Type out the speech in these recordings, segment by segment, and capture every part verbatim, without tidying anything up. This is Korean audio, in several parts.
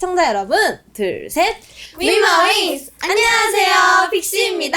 시청자 여러분, 둘, 셋! 위마윙스! 안녕하세요, 픽시입니다.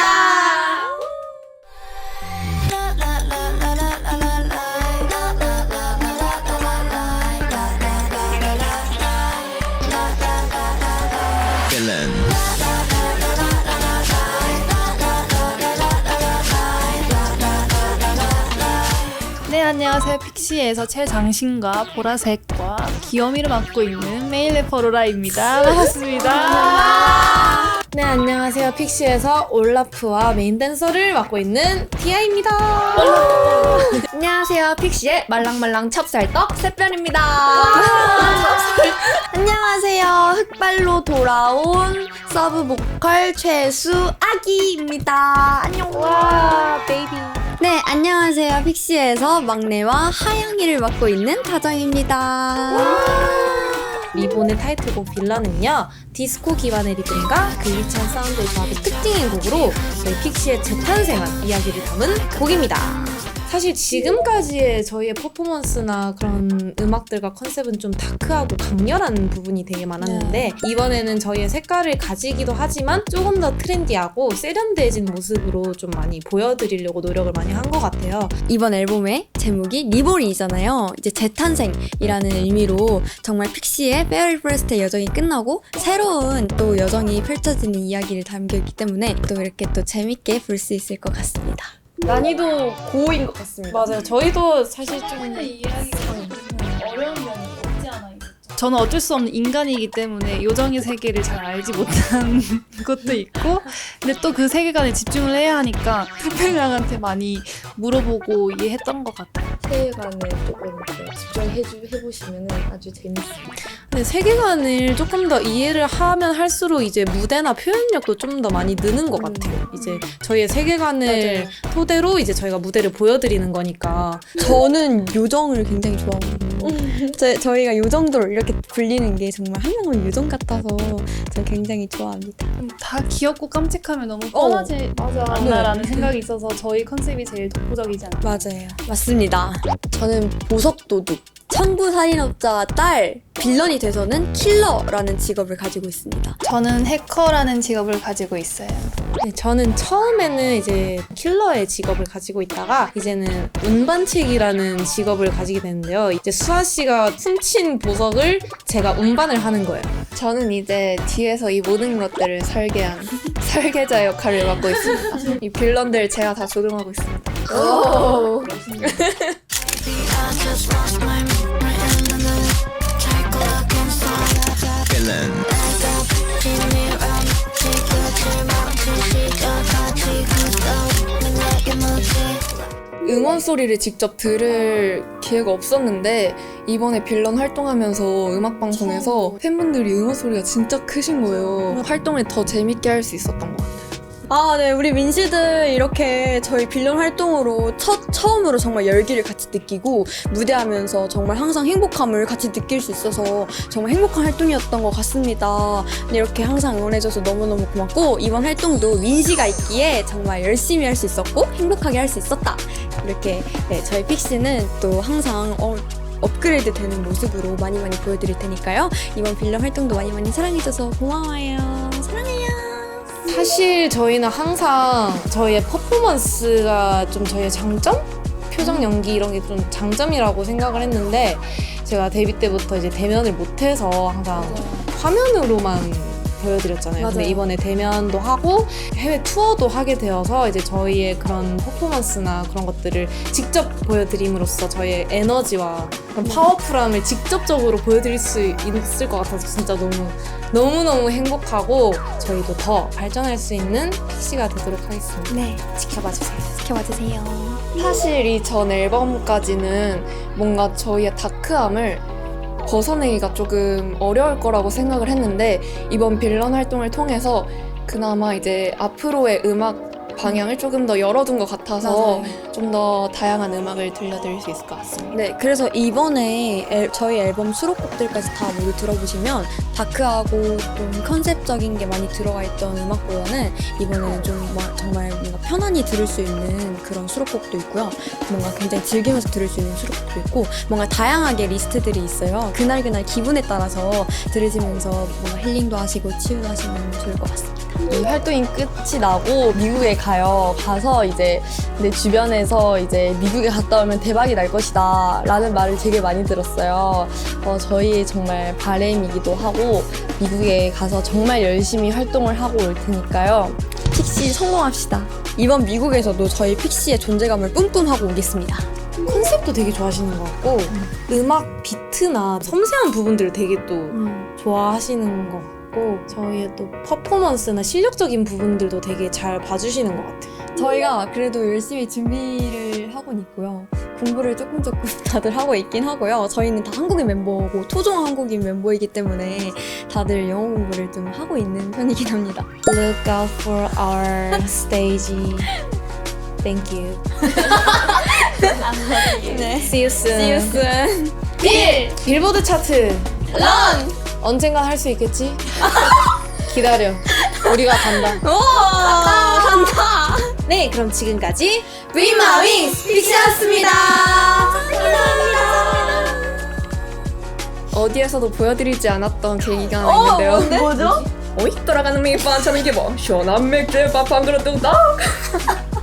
네, 안녕하세요. 픽시에서 최장신과 보라색과 귀요미를 맡고 있는 메인 래퍼 로라입니다. 반갑습니다. 네, 안녕하세요. 픽시에서 올라프와 메인 댄서를 맡고 있는 티아입니다. 안녕하세요, 픽시의 말랑말랑 찹쌀떡 새별입니다. 안녕하세요, 흑발로 돌아온 서브 보컬 최수 아기입니다. 안녕. 와, 베이비. 네, 안녕하세요, 픽시에서 막내와 하영이를 맡고 있는 다정입니다. 리본의 타이틀곡 빌런은요, 디스코 기반의 리듬과 글리치한 사운드의 조합이 특징인 곡으로 저희 픽시의 재탄생한 이야기를 담은 곡입니다. 사실 지금까지의 저희의 퍼포먼스나 그런 음악들과 컨셉은 좀 다크하고 강렬한 부분이 되게 많았는데 네. 이번에는 저희의 색깔을 가지기도 하지만 조금 더 트렌디하고 세련돼진 모습으로 좀 많이 보여드리려고 노력을 많이 한 것 같아요. 이번 앨범의 제목이 리볼이잖아요. 이제 재탄생이라는 의미로 정말 픽시의 페어리 프레스트의 여정이 끝나고 새로운 또 여정이 펼쳐지는 이야기를 담겨있기 때문에 또 이렇게 또 재밌게 볼 수 있을 것 같습니다. 난이도 고인 것 같습니다. 맞아요. 저희도 사실 좀 이 이야기가 어려운 면이 없지 않아 있었죠. 저는 어쩔 수 없는 인간이기 때문에 요정의 세계를 잘 알지 못한 것도 있고 근데 또 그 세계관에 집중을 해야 하니까 태평양한테 많이 물어보고 이해했던 것 같아요. 세계관에 조금 집중해보시면 아주 재밌습니다. 근데 세계관을 조금 더 이해를 하면 할수록 이제 무대나 표현력도 좀 더 많이 느는 것 같아요. 이제 저희의 세계관을 맞아요. 토대로 이제 저희가 무대를 보여드리는 거니까. 저는 요정을 굉장히 좋아하거든요. 저, 저희가 요정도로 이렇게 불리는 게 정말 한 명은 요정 같아서 저는 굉장히 좋아합니다. 다 귀엽고 깜찍하면 너무 뻔하지 맞아. 않나라는 생각이 있어서 저희 컨셉이 제일 독보적이지 않나요? 맞아요. 맞습니다. 저는 보석도둑, 천부살인업자 딸, 빌런이 돼서는 킬러라는 직업을 가지고 있습니다. 저는 해커라는 직업을 가지고 있어요. 네, 저는 처음에는 이제 킬러의 직업을 가지고 있다가 이제는 운반책이라는 직업을 가지게 되는데요. 이제 수아 씨가 훔친 보석을 제가 운반을 하는 거예요. 저는 이제 뒤에서 이 모든 것들을 설계한 설계자 역할을 맡고 있습니다. 이 빌런들 제가 다 조종하고 있습니다. 오. 응원 소리를 직접 들을 기회가 없었는데 이번에 빌런 활동하면서 음악방송에서 팬분들이 응원 소리가 진짜 크신 거예요. 활동을 더 재밌게 할 수 있었던 것 같아요. 아, 네. 우리 민씨들 이렇게 저희 빌런 활동으로 첫, 처음으로 정말 열기를 같이 느끼고 무대하면서 정말 항상 행복함을 같이 느낄 수 있어서 정말 행복한 활동이었던 것 같습니다. 이렇게 항상 응원해줘서 너무너무 고맙고 이번 활동도 민씨가 있기에 정말 열심히 할 수 있었고 행복하게 할 수 있었다. 이렇게 네, 저희 픽시는 또 항상 어, 업그레이드 되는 모습으로 많이 많이 보여드릴 테니까요. 이번 빌런 활동도 많이 많이 사랑해줘서 고마워요. 사랑해요. 사실 저희는 항상 저희의 퍼포먼스가 좀 저희의 장점? 표정 연기 이런 게 좀 장점이라고 생각을 했는데 제가 데뷔 때부터 이제 대면을 못해서 항상 화면으로만 보여드렸잖아요. 맞아요. 근데 이번에 대면도 하고 해외 투어도 하게 되어서 이제 저희의 그런 퍼포먼스나 그런 것들을 직접 보여드림으로써 저희의 에너지와 그런 파워풀함을 직접적으로 보여드릴 수 있을 것 같아서 진짜 너무 너무너무 행복하고 저희도 더 발전할 수 있는 픽시가 되도록 하겠습니다. 네. 지켜봐주세요. 지켜봐주세요. 사실 이 전 앨범까지는 뭔가 저희의 다크함을 벗어내기가 조금 어려울 거라고 생각을 했는데 이번 빌런 활동을 통해서 그나마 이제 앞으로의 음악 방향을 조금 더 열어둔 것 같아서 맞아요. 좀 더 다양한 음악을 들려드릴 수 있을 것 같습니다. 네, 그래서 이번에 앨- 저희 앨범 수록곡들까지 다 모두 들어보시면 다크하고 좀 컨셉적인 게 많이 들어가 있던 음악보다는 이번에는 좀 뭐- 정말 뭔가 편안히 들을 수 있는 그런 수록곡도 있고요. 뭔가 굉장히 즐기면서 들을 수 있는 수록곡도 있고 뭔가 다양하게 리스트들이 있어요. 그날그날 기분에 따라서 들으시면서 뭔가 힐링도 하시고 치유도 하시면 좋을 것 같습니다. 이 활동이 끝이 나고 미국에 가요. 가서 이제 내 주변에서 이제 미국에 갔다 오면 대박이 날 것이다 라는 말을 되게 많이 들었어요. 어, 저희의 정말 바람이기도 하고 미국에 가서 정말 열심히 활동을 하고 올 테니까요. 픽시 성공합시다. 이번 미국에서도 저희 픽시의 존재감을 뿜뿜하고 오겠습니다. 컨셉도 되게 좋아하시는 것 같고 음악 비트나 섬세한 부분들을 되게 또 좋아하시는 것 같고 저희의 또 퍼포먼스나 실력적인 부분들도 되게 잘 봐주시는 것 같아요. 저희가 그래도 열심히 준비를 하고 있고요. 공부를 조금 조금 다들 하고 있긴 하고요. 저희는 다 한국인 멤버고 토종 한국인 멤버이기 때문에 다들 영어 공부를 좀 하고 있는 편이긴 합니다. Look out for our stage. Thank you. 네. See you soon. See you soon. 빌! 빌보드 차트. 런! 언젠간 할 수 있겠지? 기다려. 우리가 간다. 오! 간다! 네, 그럼 지금까지 위마윙스 픽시였습니다. 어디에서도 보여드리지 않았던 계기가 하나 있는데요. 뭐죠? 어이? 돌아가는 메이판 참 이게 뭐 시원한 맥주 밥한 그릇 뚝딱